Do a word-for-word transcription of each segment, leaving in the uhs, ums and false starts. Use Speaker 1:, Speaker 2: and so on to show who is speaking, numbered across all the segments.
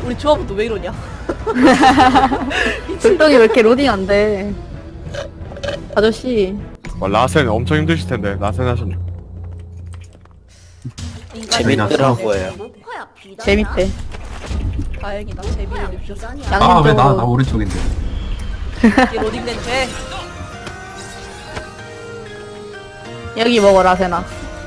Speaker 1: 우리 조합은 또 왜 이러냐?
Speaker 2: 돌덩이 왜 이렇게 로딩 안 돼? 아저씨.
Speaker 3: 와, 라센 엄청 힘드실 텐데 라센 하셨네.
Speaker 4: 재밌더라고요.
Speaker 2: 재밌대.
Speaker 1: 다행이다. 재미를 느꼈어.
Speaker 5: 아 왜 나 나 오른쪽인데.
Speaker 1: 이게 로딩된 죄.
Speaker 2: 여기 먹어라, 세나.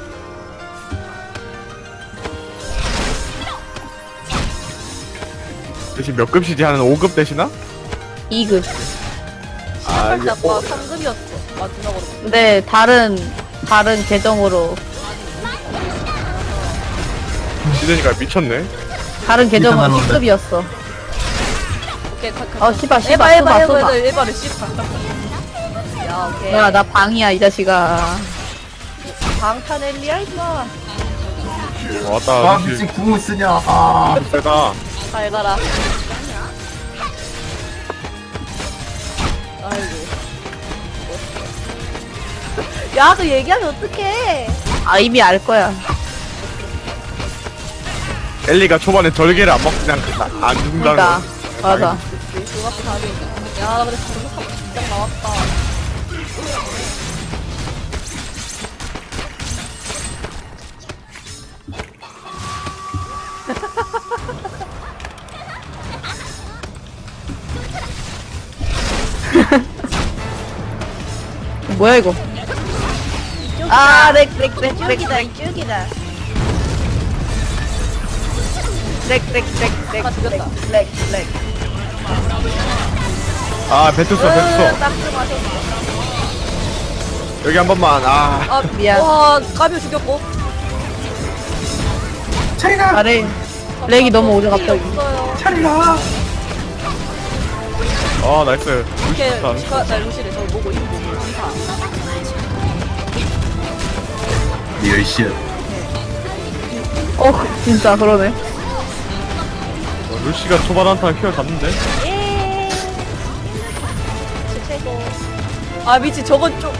Speaker 3: 대신 몇 급시지 하는 오 급 되시나?
Speaker 2: 이 급.
Speaker 3: 아 이게
Speaker 1: 아까 삼 급이었어. 마지막으로.
Speaker 2: 근데 다른 다른 계정으로
Speaker 3: 시드니까 미쳤네.
Speaker 2: 다른 계정은
Speaker 5: 이상한
Speaker 2: 십 급이었어.
Speaker 1: 오케이. 가, 가,
Speaker 2: 어, 씨발, 씨발,
Speaker 1: 에바 에바
Speaker 2: 쏘봐,
Speaker 1: 에바
Speaker 2: 쏘봐.
Speaker 1: 에바를 씨발. 야 오케이.
Speaker 2: 야, 나 방이야, 이 자식아.
Speaker 1: 방탄 엘리야 임마.
Speaker 3: 어, 왔다.
Speaker 5: 아 미친 궁을 쓰냐. 아
Speaker 3: 세다.
Speaker 1: 잘 가라. 아이고. 야, 그 얘기하면 어떡해.
Speaker 2: 아, 이미 알 거야.
Speaker 3: 엘리가 초반에 절개를 안 먹고 그냥 나- 안 죽는다는
Speaker 2: 그러니까.
Speaker 3: 거.
Speaker 2: 맞아.
Speaker 1: 그 앞에 가게. 야, 나 근데 방금 진짜 나왔다.
Speaker 2: 뭐야, 이거? 아, 렉, 렉, 렉, 렉,
Speaker 1: 이쪽이다,
Speaker 2: 렉,
Speaker 1: 이쪽이다.
Speaker 2: 렉, 렉, 렉, 렉,
Speaker 1: 아, 죽였다.
Speaker 2: 렉, 렉.
Speaker 3: 아 뱉었어 뱉었어.
Speaker 1: 딱 맞았어.
Speaker 3: 여기 한 번만. 아
Speaker 1: 아,
Speaker 2: 미안.
Speaker 1: 와, 까비 죽였고.
Speaker 5: 차리가
Speaker 2: 아, 렉. 렉이 너무 오죠, 갑자기.
Speaker 1: 없어요.
Speaker 5: 차리가.
Speaker 3: 어, 나이스.
Speaker 1: 이렇게,
Speaker 3: 루시다.
Speaker 1: 시가, 나 루시를 저를 보고 이거 보고 감사.
Speaker 5: 리얼시야.
Speaker 2: 어, 진짜, 그러네.
Speaker 3: 어, 루시가 초반 한타 휘어 잡는데.
Speaker 1: 예. 최고. 아, 미친, 저건 좀.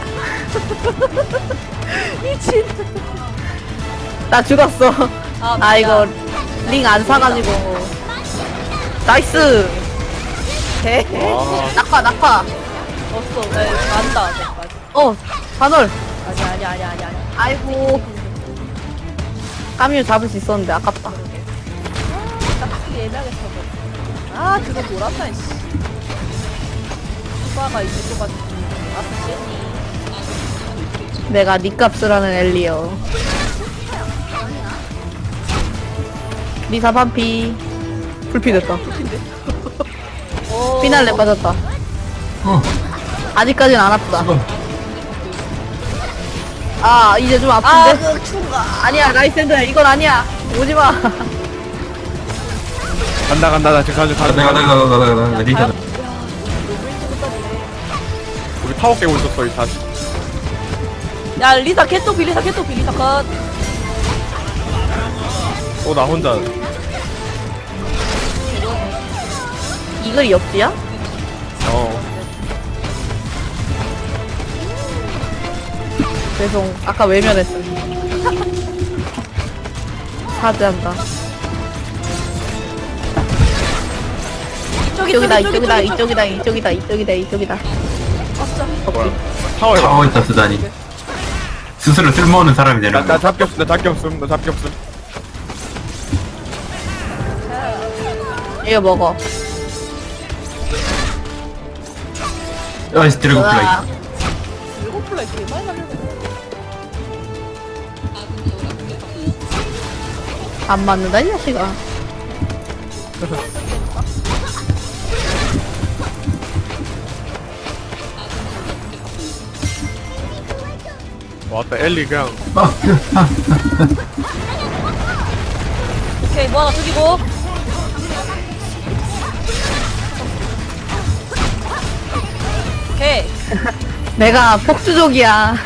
Speaker 1: 미친.
Speaker 2: 나 죽었어.
Speaker 1: 아,
Speaker 2: 아, 이거,
Speaker 1: 미안.
Speaker 2: 링 안 사가지고. 나이스! 개.
Speaker 3: 와.
Speaker 2: 낙화, 낙화.
Speaker 1: 없어. 네, 간다, 내까지.
Speaker 2: 어, 반월.
Speaker 1: 아니, 아니, 아니, 아니, 아니.
Speaker 2: 아이고. 까뮤 잡을 수 있었는데, 아깝다.
Speaker 1: 딱히 예매하게 쳐서. 아, 그거 뭐란다, 씨. 수바가 있을 것 같은. 아, 쟤니.
Speaker 2: 내가 니 값을 하는 엘리요. 리사 반피. 불피 됐다.
Speaker 1: 오.
Speaker 2: 피날레 빠졌다.
Speaker 5: 어
Speaker 2: 아직까진 안 아프다.
Speaker 5: 지금
Speaker 2: 아, 이제 좀
Speaker 1: 아,
Speaker 2: 아픈데?
Speaker 1: 그 충가.
Speaker 2: 아니야, 라이센드야. 이건 아니야. 오지 마.
Speaker 3: 간다 간다 나 지금 가져 가져.
Speaker 5: 내가 내가 내가 내가 내가 리사.
Speaker 1: 야, 너무 일찍 끝났네.
Speaker 3: 우리 타워 깨고 있었어 이 다시.
Speaker 1: 야, 리사 개토피, 리사 개토피, 리사 컷.
Speaker 3: 또 나 혼자.
Speaker 2: 이글이 역지야?
Speaker 3: 어.
Speaker 2: 죄송. 아까 외면했어. 사죄한다.
Speaker 1: 이쪽이
Speaker 2: 이쪽이다,
Speaker 1: 이쪽이,
Speaker 2: 이쪽이다,
Speaker 1: 이쪽이,
Speaker 2: 이쪽이다, 이쪽이다, 이쪽이다, 이쪽이다.
Speaker 1: 아싸.
Speaker 3: 뭐야? 타워에.
Speaker 5: 타워 있다 쓰다니. 스스로 쓸모없는 사람이
Speaker 3: 나,
Speaker 5: 되는
Speaker 3: 나
Speaker 5: 거.
Speaker 3: 잡기 없음 나 잡기 없음 나 잡기 없음.
Speaker 2: 이거 먹어.
Speaker 5: 아이스 드래곤 플라이.
Speaker 2: 으아.
Speaker 1: 일곱 플라이 개 많이 날렸네.
Speaker 2: 안 맞는다, 이 자식아.
Speaker 3: 왔다 엘리 그냥.
Speaker 5: 아,
Speaker 1: 오케이, 뭐 하나 죽이고. 오케이.
Speaker 2: 내가 폭주족이야.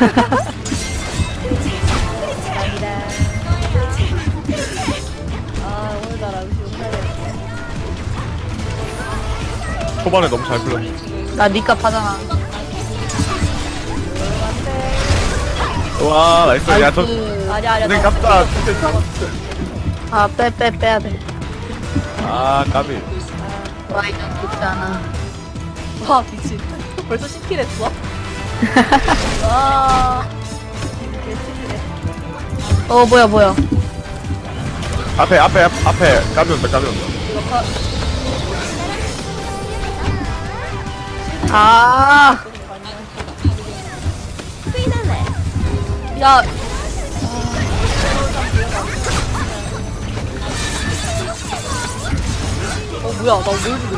Speaker 1: 아, 오늘따라 음식 못하겠네.
Speaker 3: 초반에 너무 잘 풀렸네.
Speaker 2: 나 니값 하잖아.
Speaker 3: 와 나이스. 야저
Speaker 2: 나이스.
Speaker 1: 아니야, 아니야.
Speaker 3: 선생
Speaker 1: 나-
Speaker 3: 깝다.
Speaker 2: 아, 빼, 빼, 빼야 돼.
Speaker 3: 아 까비.
Speaker 2: 와 이거 좋지 않아.
Speaker 1: 와 미친. 벌써 십 킬 했어? 와. 개치기네.
Speaker 2: 어 뭐야 뭐야.
Speaker 3: 앞에 앞에 앞, 앞에 까비 온다 까비 온다.
Speaker 1: 이거 파.
Speaker 2: 아
Speaker 1: 야. 어 뭐야 나뭘 부르지?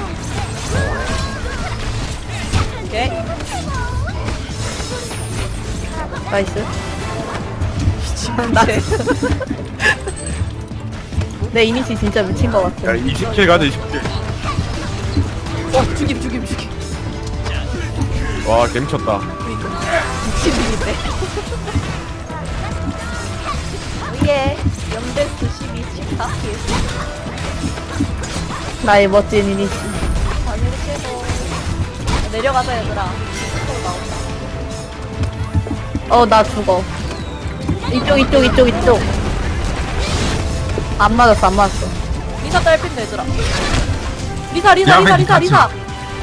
Speaker 1: 오케이.
Speaker 2: 나이스.
Speaker 1: 나
Speaker 2: 내 이니시 진짜 미친 것 같아.
Speaker 3: 야 이십 킬 가자 이십 킬.
Speaker 1: 어 죽임 죽임 죽임.
Speaker 3: 와 개미쳤다.
Speaker 1: 육십 일인데. 예. 영대수 십이, 십사 킬.
Speaker 2: 나의 멋진 이니시.
Speaker 1: 당연히 최고. 내려가자 얘들아. 또 나온다.
Speaker 2: 어 나 죽어. 이쪽 이쪽 이쪽 이쪽. 안 맞았어 안 맞았어.
Speaker 1: 리사 딸핀데 얘들아. 리사 리사
Speaker 5: 야,
Speaker 1: 리사
Speaker 5: 왜
Speaker 1: 리사
Speaker 5: 같이-
Speaker 1: 리사.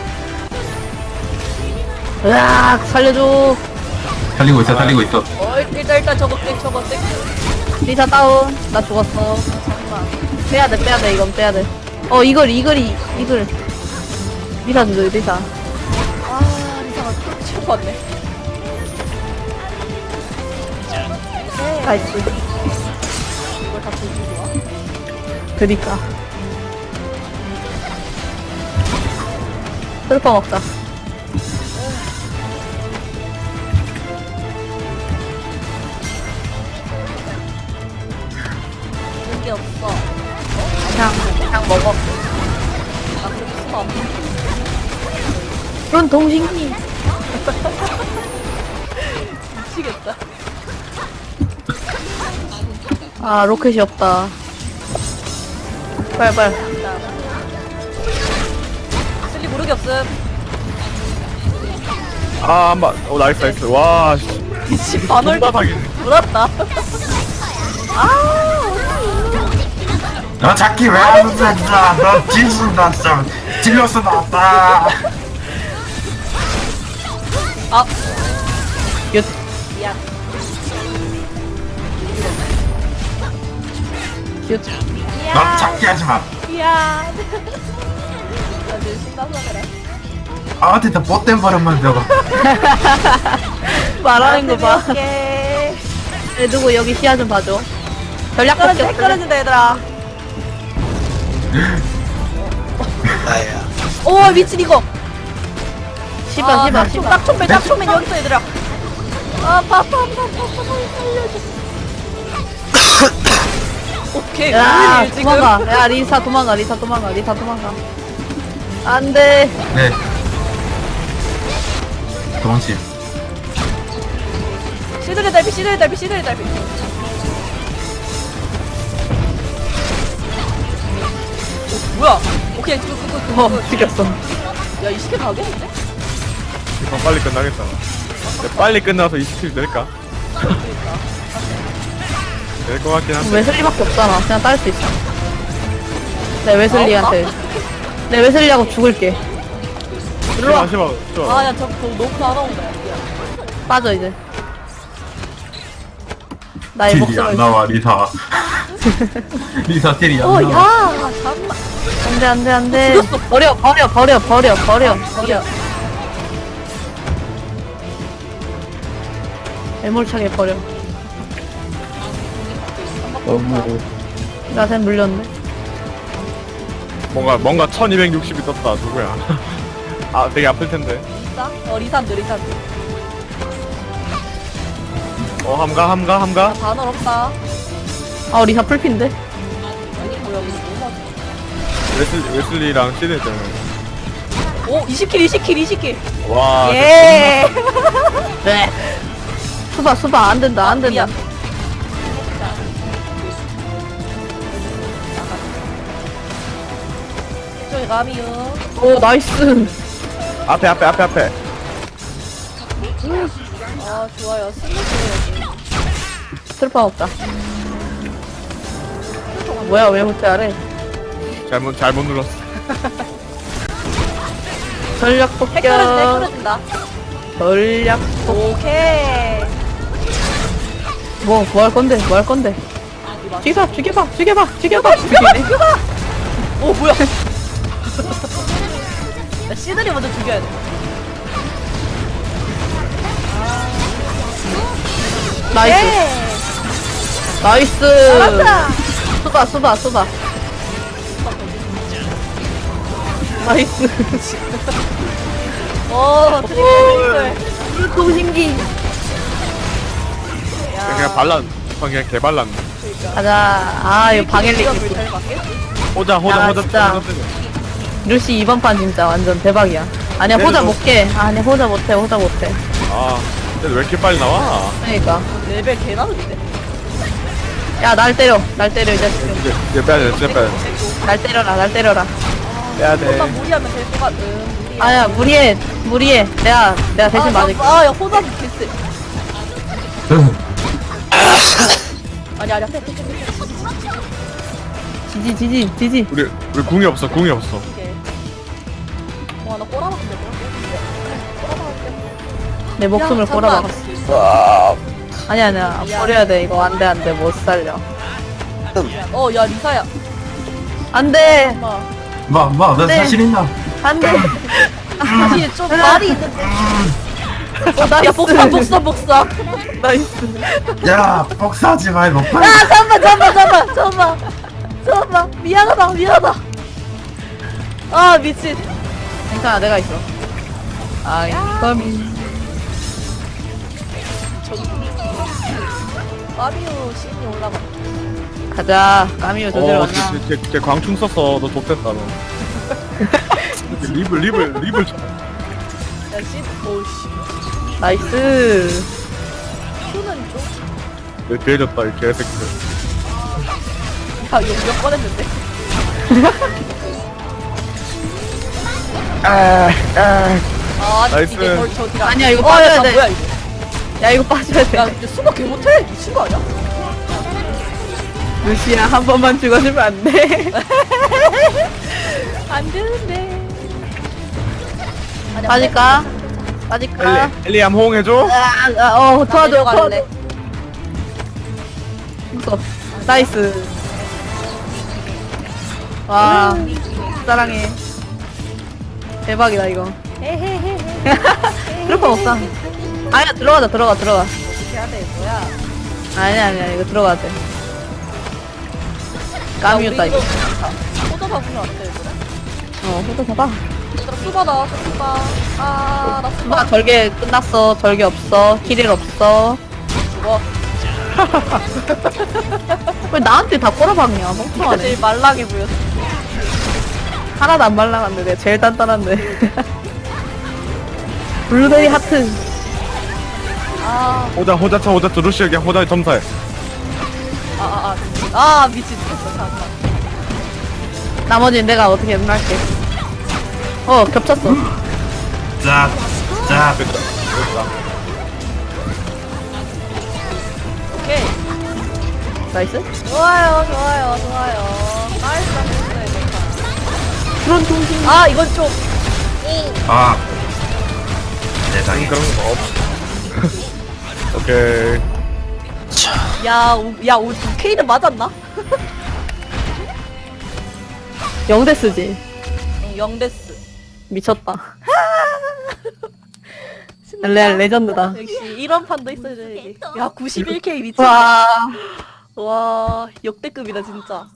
Speaker 2: 으악 살려줘.
Speaker 5: 살리고 있어 살리고 있어.
Speaker 1: 어 일단 일단 저거 땡 저거 땡.
Speaker 2: 리사 다운. 나 죽었어.
Speaker 1: 잠깐만.
Speaker 2: 빼야돼 빼야돼 이건 빼야돼. 어 이걸 이글이 이글. 리사 주죠 리사.
Speaker 1: 아 리사가 또 치고 왔네.
Speaker 2: 나이스.
Speaker 1: 이걸 다 들고 와.
Speaker 2: 그니까. 슬퍼 먹자.
Speaker 1: 그런 게 없어.
Speaker 2: 그냥 그냥 먹어.
Speaker 1: 나 그렇게 수가 없네.
Speaker 2: 그런 동식이.
Speaker 1: 미치겠다.
Speaker 2: 아 로켓이 없다. 빨리 빨리.
Speaker 1: 슬리 모르게 없음.
Speaker 3: 아 한번. 오 나이스 나이스. 와 씨.
Speaker 1: 미친 반월
Speaker 3: 존나 사기네.
Speaker 1: 물었다. 아
Speaker 5: 너 잡기 왜안 된다. 너 뒤진다 진짜. 찔려서 나왔다.
Speaker 1: 아.
Speaker 2: 윷.
Speaker 1: 미안.
Speaker 2: 윷.
Speaker 5: 너 잡기 하지 마.
Speaker 1: 미안. 나 지금 신나서 그래.
Speaker 5: 아한테 못된 버릇만 배워.
Speaker 2: 말하는 거 봐.
Speaker 1: 오케이.
Speaker 2: 애 누구 여기 시야 좀 봐줘. 전략
Speaker 1: 떨어진다
Speaker 2: 폭격.
Speaker 1: 떨어진다 얘들아.
Speaker 4: 나야.
Speaker 1: 오 미친 이거.
Speaker 2: 씨발 씨발 씨발.
Speaker 1: 딱총맨 딱총맨 여기 있어 얘들아. 아 파파파파파 살려줘. 오케이
Speaker 2: 야
Speaker 1: 우리 지금
Speaker 2: 도망가. 야 리사 도망가 리사 도망가 리사 도망가. 안돼.
Speaker 5: 네. 도망치.
Speaker 1: 시들의 달빛 시들의 달빛 시들의 달빛. 오, 뭐야? 오케이 그거 그거 그거.
Speaker 2: 어 죽였어.
Speaker 1: 야이 시계 가겠는데?
Speaker 3: 이번 빨리 끝나겠다. 야, 빨리 끝나서 이십 킬 될까? 될 것 같긴 한데.
Speaker 2: 웨슬리밖에 없잖아. 그냥 딸 수 있어. 내 웨슬리한테. 내 웨슬리하고 죽을게. 일로 와.
Speaker 3: 심어 심어.
Speaker 1: 아야 저 그거 너무 나가온다.
Speaker 2: 빠져 이제. 나의
Speaker 5: 딜이
Speaker 2: 목숨을.
Speaker 5: 안 나와 리사. 리사 딜이 안
Speaker 1: 어,
Speaker 5: 나와.
Speaker 1: 야, 잠깐만.
Speaker 2: 안돼 안돼 안돼.
Speaker 1: 죽였어.
Speaker 2: 버려 버려 버려 버려 버려 버려. 애몰차게 버려.
Speaker 3: 너무
Speaker 2: 나샘 물렸네.
Speaker 3: 뭔가 뭔가 천이백육십이 떴다. 누구야? 아 되게 아플 텐데.
Speaker 1: 리사? 어, 리산드, 리산드.
Speaker 3: 어 함가 함가 함가.
Speaker 1: 단어 없다.
Speaker 2: 아 리사 풀핀데?
Speaker 1: 아니, 뭐야, 이거 너무 많아.
Speaker 3: 웨슬리 웨슬리랑 시드 때문에.
Speaker 1: 오, 이십 킬, 이십 킬, 이십 킬.
Speaker 3: 와.
Speaker 1: 예.
Speaker 2: 네. 수바 수바 안 된다 안 된다.
Speaker 1: 미안. 저기 감이요.
Speaker 2: 오 나이스.
Speaker 3: 앞에 앞에 앞에 앞에.
Speaker 1: 아, 좋아요. 스무스 여기.
Speaker 2: 슬퍼 없다. 뭐야 왜 못해 아래?
Speaker 3: 잘못 잘못 눌렀어.
Speaker 2: 전략
Speaker 1: 핵 떨어진다 핵
Speaker 2: 폭격.
Speaker 1: 떨어진다.
Speaker 2: 전략.
Speaker 1: 오케이.
Speaker 2: 뭐, 뭐 할 건데? 뭐 할 건데?
Speaker 1: 이봐.
Speaker 2: 죽여봐, 죽여봐, 죽여봐, 죽여봐, 죽이네.
Speaker 1: 오 뭐야? 나 씨들이 먼저 죽여야 돼.
Speaker 2: 나이스,
Speaker 1: 예.
Speaker 2: 나이스.
Speaker 1: 잘한다.
Speaker 2: 쏘다, 쏘다, 쏘다. 나이스.
Speaker 1: 오 트리플 트리플.
Speaker 2: 동신기.
Speaker 1: 야.
Speaker 3: 그냥 발란. 그냥 개발란.
Speaker 2: 가자. 아, 이거 방엘리.
Speaker 1: 이걸 잘 맞겠지?
Speaker 3: 호자 호자
Speaker 2: 야,
Speaker 3: 호자
Speaker 2: 진짜.
Speaker 3: 호자 때려.
Speaker 2: 루시 이번 판 진짜 완전 대박이야. 아니야, 호자
Speaker 3: 때려줘.
Speaker 2: 못 깨. 아니, 호자 못해, 호자 못해.
Speaker 3: 아 근데 왜 이렇게 빨리 나와?
Speaker 2: 그러니까.
Speaker 1: 레벨 개 나는데?
Speaker 2: 야, 날 때려. 날 때려, 이 자식.
Speaker 3: 이제 이제 빼야 돼 이제 빼야 돼.
Speaker 2: 날 때려라, 날 때려라.
Speaker 3: 빼야
Speaker 1: 호자
Speaker 3: 돼.
Speaker 1: 무리하면 될 것 같은. 무리해.
Speaker 2: 아야, 무리해, 무리해. 내가, 내가 대신 맞을게.
Speaker 1: 아, 야, 호자 개쎄. 아니, 아니, 앞에, 앞에, 앞에.
Speaker 2: 지지, 지지, 지지.
Speaker 3: 우리 우리 궁이 없어 궁이 없어.
Speaker 1: 오케이. 와, 나 꼬라박는데, 꼬라박는데.
Speaker 2: 내 목숨을
Speaker 1: 야,
Speaker 2: 꼬라박았어. 아니야, 아니야. 버려야 돼. 이거 안 돼, 안 돼. 못 살려.
Speaker 1: 어, 야, 리사야.
Speaker 2: 안 돼!
Speaker 1: 엄마.
Speaker 5: 뭐, 뭐, 너
Speaker 2: 네.
Speaker 5: 사실 있나?
Speaker 2: 안 돼!
Speaker 1: 사실 좀 말이 있는데. 어, 나, 야, 복사, 복사, 복사.
Speaker 2: 나이스.
Speaker 5: 야, 복사하지 마, 이거.
Speaker 1: 야, 잠깐만, 잠깐만, 잠깐만, 잠깐만. 잠깐만. 미안하다, 미안하다. 아, 미친.
Speaker 2: 괜찮아, 내가 있어. 아, 이건.
Speaker 1: 마리오 씬이 올라가.
Speaker 2: 가자. 까미오 저대로
Speaker 3: 어,
Speaker 2: 왔나?
Speaker 3: 쟤, 쟤, 쟤 광충 썼어. 너 좆됐다 너. 립을 립을 립을 쳐.
Speaker 1: 야, 씬, 오씨.
Speaker 2: 나이스.
Speaker 1: 큐는 좀.
Speaker 3: 내 뒤해졌다 이 개새끼들.
Speaker 1: 야, 이거 몇 번 했는데?
Speaker 3: 아, 아.
Speaker 1: 아, 아니,
Speaker 3: 나이스.
Speaker 1: 이게 저, 저 뒤가.
Speaker 2: 아니야, 이거
Speaker 1: 어,
Speaker 2: 빠져야
Speaker 1: 야,
Speaker 2: 돼.
Speaker 1: 뭐야, 이거.
Speaker 2: 야, 이거 빠져야 돼.
Speaker 1: 야, 근데 수박 개 못해. 미친 거 아니야?
Speaker 2: 루시야, 한 번만 죽어주면 안 돼.
Speaker 1: 안 되는데. 아니,
Speaker 2: 빠질까? 빠질까?
Speaker 3: 엘리 엘리암 호응해줘.
Speaker 2: 아, 아, 어, 도와줘, 도와줘.
Speaker 1: 갈래.
Speaker 2: 있어. 나이스. 와, 사랑해. 대박이다, 이거.
Speaker 1: 헤헤헤헤.
Speaker 2: 그럴 건 없다. 아니야, 들어가자, 들어가, 들어가.
Speaker 1: 어떻게 해야 돼, 뭐야?
Speaker 2: 아니야, 아니야, 이거 들어가야 돼. 까미였다, 이거.
Speaker 1: 호도 잡으면 안 돼, 얘들아.
Speaker 2: 어, 호도 잡아.
Speaker 1: 얘들아, 수바 나왔어, 수바. 아, 나
Speaker 2: 수바
Speaker 1: 수바.
Speaker 2: 절개 끝났어. 절개 없어. 키릴 없어.
Speaker 1: 죽어.
Speaker 2: 왜 나한테 다 꼬라박냐,
Speaker 1: 내가
Speaker 2: 멍청하네.
Speaker 1: 제일 말랑해 보였어.
Speaker 2: 하나도 안 말랑한데, 내가 제일 단단한데. 블루베리 하트.
Speaker 1: 아,
Speaker 3: 호자 호자 쳐 호자 쳐 루시 그냥 호자 점사해.
Speaker 1: 아, 아, 아, 미친. 아, 미친. 죽었어, 잠깐.
Speaker 2: 나머지는 내가 어떻게 할게. 어, 겹쳤어.
Speaker 5: 짝, 짝.
Speaker 3: 됐다 됐다.
Speaker 1: 오케이.
Speaker 2: 나이스.
Speaker 1: 좋아요, 좋아요, 좋아요. 나이스, 나이스, 좋다.
Speaker 2: 그런 동심.
Speaker 1: 아, 이건 좀.
Speaker 5: 아. 세상에.
Speaker 3: 그런 거 없. 오케이.
Speaker 1: 야, 우, 야, 우리 K는 맞았나?
Speaker 2: 영대 쓰지.
Speaker 1: 응, 영데스.
Speaker 2: 미쳤다. 레, 레전드다.
Speaker 1: 역시 이런 판도 있어야지. 야, 구십일 케이 미쳤다.
Speaker 2: 와.
Speaker 1: 와, 역대급이다, 진짜.